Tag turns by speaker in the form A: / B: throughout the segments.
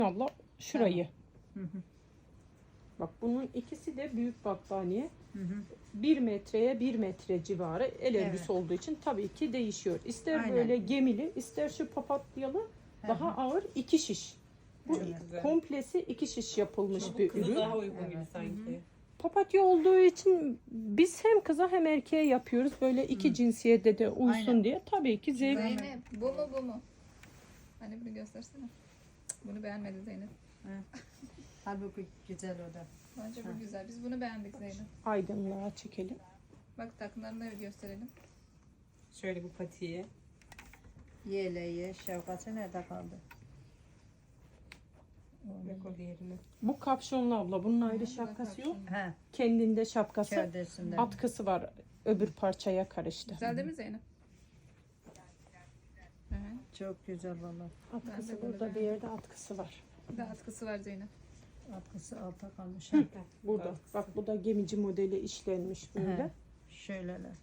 A: Abla şurayı.
B: Hı hı.
A: Bak bunun ikisi de büyük battaniye.
B: Hı hı.
A: 1 metreye 1 metre civarı el
B: Evet.
A: örgüsü olduğu için tabii ki değişiyor. İster
B: Aynen.
A: böyle gemili, ister şu papatyalı daha ağır 2 şiş. Bu
B: Evet.
A: komplesi 2 şiş yapılmış
C: Bu
A: bir
C: kıza
A: ürün.
C: daha uygun gibi
B: Evet.
C: sanki.
A: Papatya olduğu için biz hem kıza hem erkeğe yapıyoruz. Böyle iki cinsiyette de uysun
B: Aynen.
A: diye. Tabii ki zevk.
D: Zeynep bu mu bu mu? Hani bunu göstersene. Bunu beğenmedi Zeynep.
B: Halbuki güzel o da.
D: Bence bu güzel. Biz bunu beğendik Zeynep.
A: Aydınlığa çekelim.
D: Bak takımlarını gösterelim.
C: Şöyle bu patiye.
B: Yeleği, şapkası nerede kaldı?
C: Ve kolyerini.
A: Bu kapşonlu abla. Bunun ayrı
D: Bu da
A: şapkası yok.
D: kapşonlu.
B: He,
A: Kendinde şapkası.
B: gövdesinde.
A: Atkısı var. Öbür parçaya karıştı.
D: Güzel değil mi Zeynep? Evet.
B: Çok güzel valla.
A: Atkısı
D: Ben de bunu
A: burada, bir yerde atkısı var.
D: Bir de atkısı var Zeynep.
B: Atkısı alta kalmış.
A: Burada. Bak bu da gemici modeli işlenmiş böyle.
B: He. Şöyleler.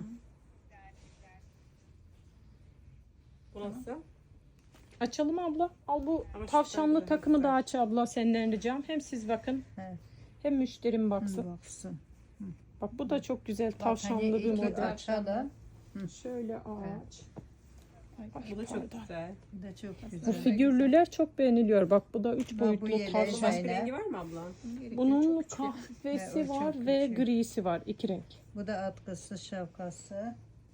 C: Bu nasıl?
A: Açalım abla. Al bu
C: Ama şu
A: tavşanlı
C: takımı
A: takımı da
C: güzel.
A: aç abla, senden ricam. Hem siz bakın
B: He.
A: hem müşterim baksın.
B: Baksın.
A: Bak bu da çok güzel
B: Bak,
A: tavşanlı
B: hani
A: bir
B: iki
A: model.
B: açalım.
A: Şöyle ağaç. Ay,
C: Bu da çok
A: pardon.
C: güzel.
B: Bu da çok
A: Bu
B: güzel.
A: figürlüler çok beğeniliyor. Bak bu da 3
B: bu
A: boyutlu
B: yeleği
A: tavşan.
C: Başka
B: Aynen.
C: rengi var mı abla?
A: Bunun
D: Çok
A: kahvesi
B: Evet, o çok
A: var ve
B: küçük.
A: grisi var. 2 renk.
B: Bu da atkısı, şapkası.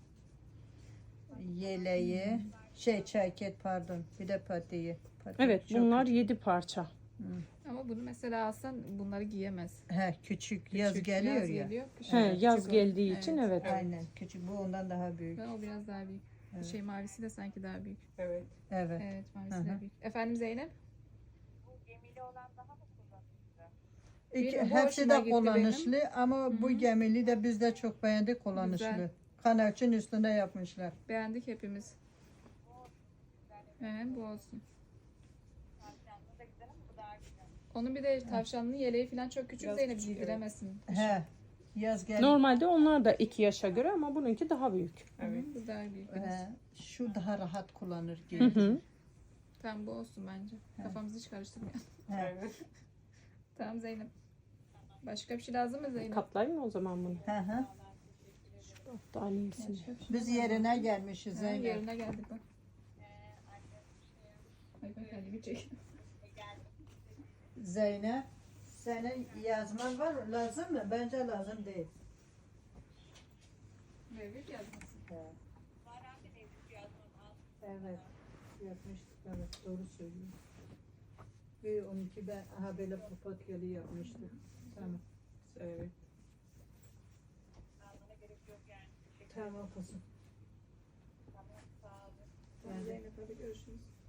B: Yeleği. Ceket pardon. Bir de patiği. Patiği
A: Evet
B: çok
A: bunlar 7 parça.
D: Ama bunu mesela alsan bunları giyemez.
B: He, küçük. Yaz
D: Küçük,
B: geliyor
D: yaz
B: ya.
D: geliyor.
A: He, yaz
D: küçük
A: geldiği
D: olur.
A: için
D: Evet.
A: evet.
B: Aynen. Küçük. Bu ondan daha büyük.
D: Ve o biraz daha büyük.
B: Evet.
D: Şey mavisi de sanki daha büyük.
C: Evet.
B: Evet.
D: Evet mavisi
B: Hı hı.
D: de büyük. Efendim Zeynep?
B: İki,
D: Benim bu
B: hepsi
D: hoşuma
B: de
D: gitti
B: kullanışlı ama bu
D: Hı.
B: gemili de biz de çok beğendik kullanışlı.
D: Güzel.
B: Kanalçın üstünde yapmışlar.
D: Beğendik hepimiz. Evet bu olsun. Onun bir de tavşanlı yeleği falan çok küçük
C: Biraz
D: Zeynep
C: küçük,
D: giydiremesin.
B: He. Yaz gel.
A: Normalde onlar da 2 yaşa göre ama bununki daha büyük.
C: Evet.
D: Bu daha büyük biraz.
B: He, şu daha rahat kullanır
A: Hı
B: gibi.
A: hı.
D: Tamam bu olsun bence. Kafamızı hiç karıştırmayalım.
B: He.
C: Evet.
D: Tamam Zeynep. Başka bir şey lazım mı Zeynep?
A: Katlayayım mı o zaman bunu?
B: Hı hı.
A: Battaniyesini.
D: Başka bir şey
B: Biz
D: lazım.
B: yerine gelmişiz
D: Ha,
B: Zeynep.
D: yerine geldik bak. Ay bak hadi bir çek.
B: Zeynep, senin yazman var mı? Lazım mı? Bence lazım değil.
D: Mevlüt yazmasın.
B: He. Evet. Yapmıştık. Evet. Doğru söylüyorsun. Bir onunki ben aha böyle papatyalı yapmıştım. Tamam.
C: Evet.
B: Tamam kızım.
D: Zeynep hadi görüşürüz.